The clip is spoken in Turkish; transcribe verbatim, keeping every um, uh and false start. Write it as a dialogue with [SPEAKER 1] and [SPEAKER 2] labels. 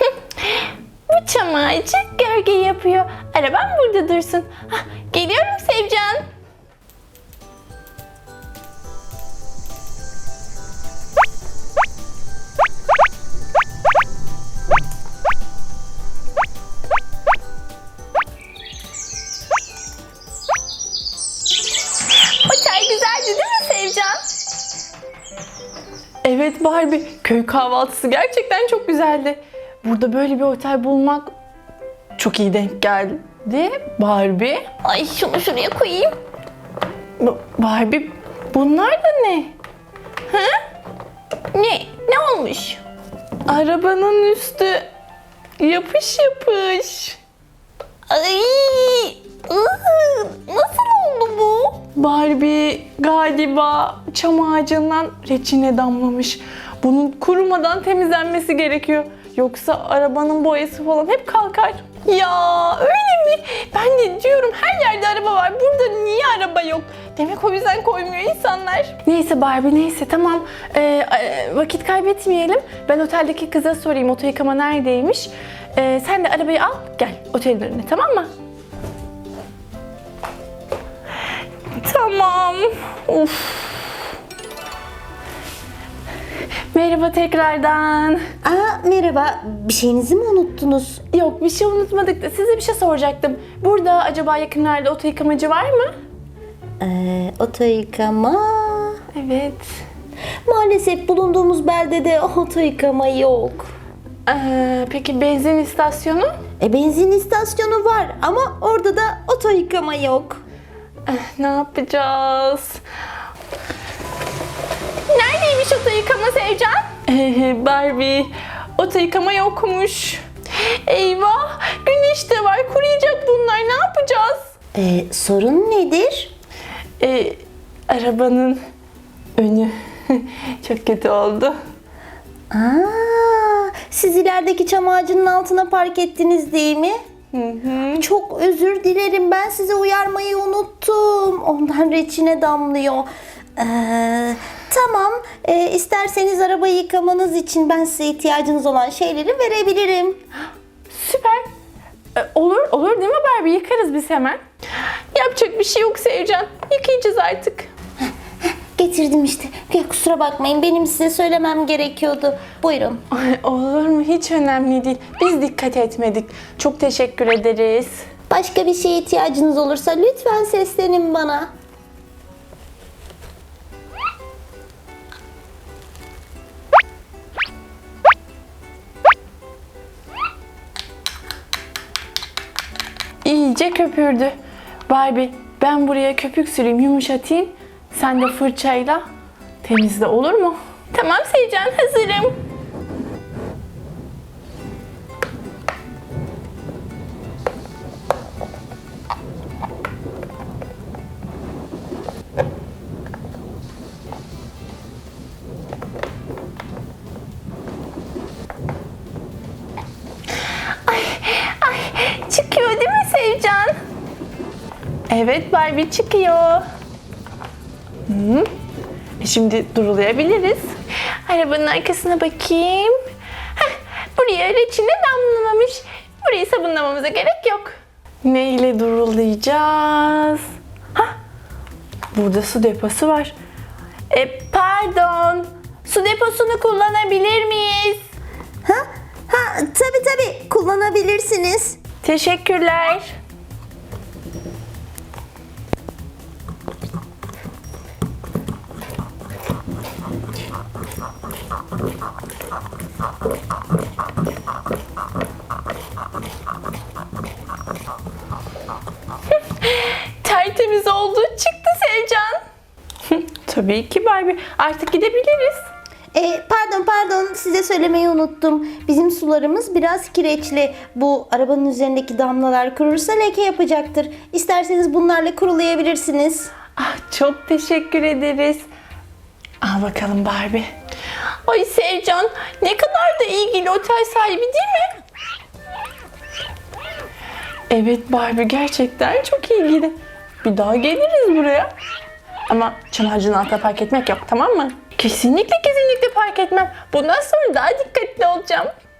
[SPEAKER 1] Bu çam ağacı gölge yapıyor. Arabam burada dursun. Hah, geliyorum Sevcan. O çay güzeldi değil mi Sevcan? Evet Barbie, köy kahvaltısı gerçekten çok güzeldi. Burada böyle bir otel bulmak çok iyi denk geldi Barbie. Ay şunu şuraya koyayım. B- Barbie, bunlar da ne? Ha? Ne? Ne olmuş? Arabanın üstü yapış yapış. Ay! ıı, Nasıl oldu bu? Barbie galiba çam ağacından reçine damlamış. Bunun kurumadan temizlenmesi gerekiyor. Yoksa arabanın boyası falan hep kalkar. Ya öyle mi? Ben de diyorum her yerde araba var. Burada niye araba yok? Demek o yüzden koymuyor insanlar. Neyse Barbie neyse tamam. Ee, e, vakit kaybetmeyelim. Ben oteldeki kıza sorayım oto yıkama neredeymiş. Ee, sen de arabayı al gel otelin önüne, tamam mı? Tamam. Uf. Merhaba tekrardan.
[SPEAKER 2] Aa, merhaba. Bir şeyinizi mi unuttunuz?
[SPEAKER 1] Yok bir şey unutmadık da size bir şey soracaktım. Burada acaba yakınlarda oto yıkamacı var mı?
[SPEAKER 2] Ee, oto yıkama...
[SPEAKER 1] Evet.
[SPEAKER 2] Maalesef bulunduğumuz beldede oto yıkama yok.
[SPEAKER 1] Ee, peki benzin istasyonu?
[SPEAKER 2] E, benzin istasyonu var ama orada da oto yıkama yok.
[SPEAKER 1] Eh, ne yapacağız? Neredeymiş oto yıkama Sevcan? Ee, Barbie, oto yıkama yokmuş. Eyvah, güneş de var, kuruyacak bunlar, ne yapacağız?
[SPEAKER 2] Ee, sorun nedir?
[SPEAKER 1] Ee, arabanın önü çok kötü oldu.
[SPEAKER 2] Aa, siz ilerideki çam ağacının altına park ettiniz değil mi?
[SPEAKER 1] Hı hı.
[SPEAKER 2] Çok özür dilerim. Ben size uyarmayı unuttum. Ondan reçine damlıyor. Ee, tamam. Ee, isterseniz arabayı yıkamanız için ben size ihtiyacınız olan şeyleri verebilirim.
[SPEAKER 1] Süper. Ee, olur, olur değil mi Barbie? Yıkarız biz hemen. Yapacak bir şey yok Sevcan. Yıkayacağız artık.
[SPEAKER 2] Getirdim işte. Ya, kusura bakmayın. Benim size söylemem gerekiyordu. Buyurun.
[SPEAKER 1] Ay, olur mu? Hiç önemli değil. Biz dikkat etmedik. Çok teşekkür ederiz.
[SPEAKER 2] Başka bir şeye ihtiyacınız olursa lütfen seslenin bana.
[SPEAKER 1] İyice köpürdü. Barbie, ben buraya köpük süreyim, yumuşatayım. Sen de fırçayla temizle, olur mu? Tamam Sevcan, hazırım. Ay, ay, çıkıyor değil mi Sevcan? Evet Barbie, çıkıyor. Hı. E Şimdi durulayabiliriz. Arabanın arkasına bakayım. Heh, buraya reçine damlamamış. Burayı sabunlamamıza gerek yok. Ne ile durulayacağız? Hah, burada su deposu var. E, pardon, su deposunu kullanabilir miyiz?
[SPEAKER 2] Ha? Ha, tabii tabii. Kullanabilirsiniz.
[SPEAKER 1] Teşekkürler. Tertemiz oldu. Çıktı Sevcan. Tabii ki Barbie. Artık gidebiliriz.
[SPEAKER 2] E, pardon pardon size söylemeyi unuttum. Bizim sularımız biraz kireçli. Bu arabanın üzerindeki damlalar kurursa leke yapacaktır. İsterseniz bunlarla kurulayabilirsiniz.
[SPEAKER 1] Ah, çok teşekkür ederiz. Al bakalım Barbie. Ay Sevcan, ne kadar da ilgili otel sahibi değil mi? Evet Barbie, gerçekten çok ilgili. Bir daha geliriz buraya. Ama çam ağacının altına park etmek yok, tamam mı? Kesinlikle kesinlikle park etmem. Bundan sonra daha dikkatli olacağım.